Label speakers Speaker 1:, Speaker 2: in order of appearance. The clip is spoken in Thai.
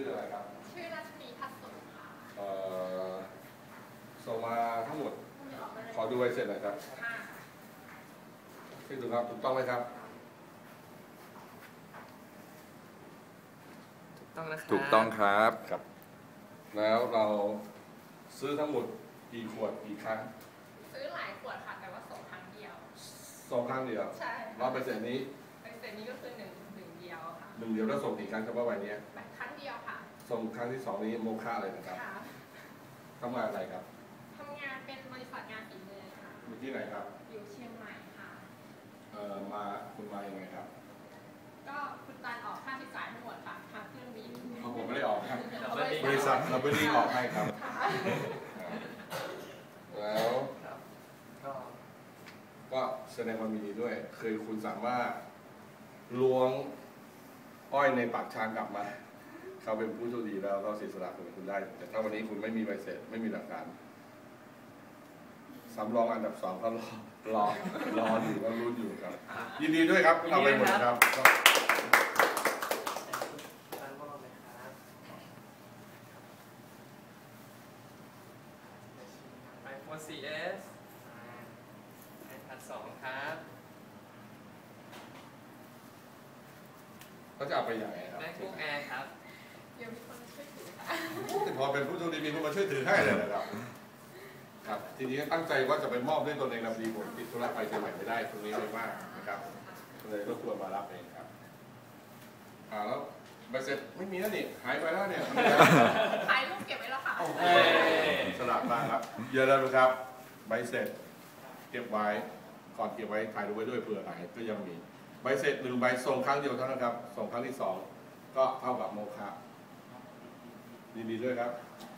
Speaker 1: ออะไรครับ
Speaker 2: ชื่อรัชนีพัฒน์สุขค่ะ
Speaker 1: ส่งมาทั้งหมดขอดูใบเสร็จหน่อยครับชื่อดูครับถูกต้องไหมครับ
Speaker 3: ถูกต้องนะครับ
Speaker 4: ถูกต้องครับ
Speaker 1: ครับแล้วเราซื้อทั้งหมดกี่ขวดกี่ครั้ง
Speaker 2: ซื้อหลายขวดค่ะแต่ว่าส่งครั้งเดียว
Speaker 1: ส่งครั้งเดียว
Speaker 2: ใช่
Speaker 1: รับใบเสร็จนี้
Speaker 2: ใบเสร็จนี้ก็คือหนึ่งเดียวค่ะ
Speaker 1: หนึ่งเดียวแล้วส่งกี่ครั้งเฉพาะใบนี้
Speaker 2: ครั้งเดียวค่ะ
Speaker 1: ส่งครั้งที่สองนี้โมฆะเลยนะครับทำงานอะไรครับ
Speaker 2: ทำงานเป็นบริษัทงานฝีมือค่ะ
Speaker 1: อยู่ที่ไหนครับ
Speaker 2: อยู่เชียงใหม่ค่ะ
Speaker 1: คุณมายังไงครับ
Speaker 2: ก็คุณตาลออกค่าใช้จ่ายทั้งหมดค่ะทางเครื่องบิน
Speaker 1: ผมไม่ได้ออกครับบริษัทเราไม่ได้ออกให้ครับแล้วก็แสดงความยินดีด้วยคือคุณสามารถล้วงอ้อยในปากชานกลับมาเขาเป็นผู้โชคดีแล้วก็เสียสละเป็นคุณได้แต่ถ้าวันนี้คุณไม่มีใบเสร็จไม่มีหลักฐานสำรองอันดับ2ก็รออยู่ก็รุ้นอยู่ครับยินดีด้วยครับทำไปหมดครับ
Speaker 3: iPhone 4S iPad 2ครับ
Speaker 1: เขาจะเอาไปอย่างไรครับ
Speaker 3: MacBook Air ครับ
Speaker 2: เดี๋ยวมีคนช่วยถือค่ะ
Speaker 1: พอเป็นผู้โชคดีมีคนมาช่วยถือให้เลยนะครับครับทีนี้ตั้งใจว่าจะไปมอบด้วยตนเองนะพอดีผมติดธุระไปเชียงใหม่ไม่ได้ตรงนี้เลยมากนะครับเลยรบกวนมารับเองครับแล้วใบเสร็จไม่มีแล้วนี่หายไปแล้วเนี่ย
Speaker 2: ถ่ายรูปเก็บไว้แล้วค่ะ
Speaker 1: สลับมากครับเยอะแล้วนะครับใบเสร็จเก็บไว้ก่อนเก็บไว้ถ่ายรูปไว้ด้วยเผื่อหายก็ยังมีใบเสร็จ1ใบส่งครั้งเดียวเท่านั้นครับส่งครั้งที่2ก็เท่ากับโมฆะยินดีด้วยครับ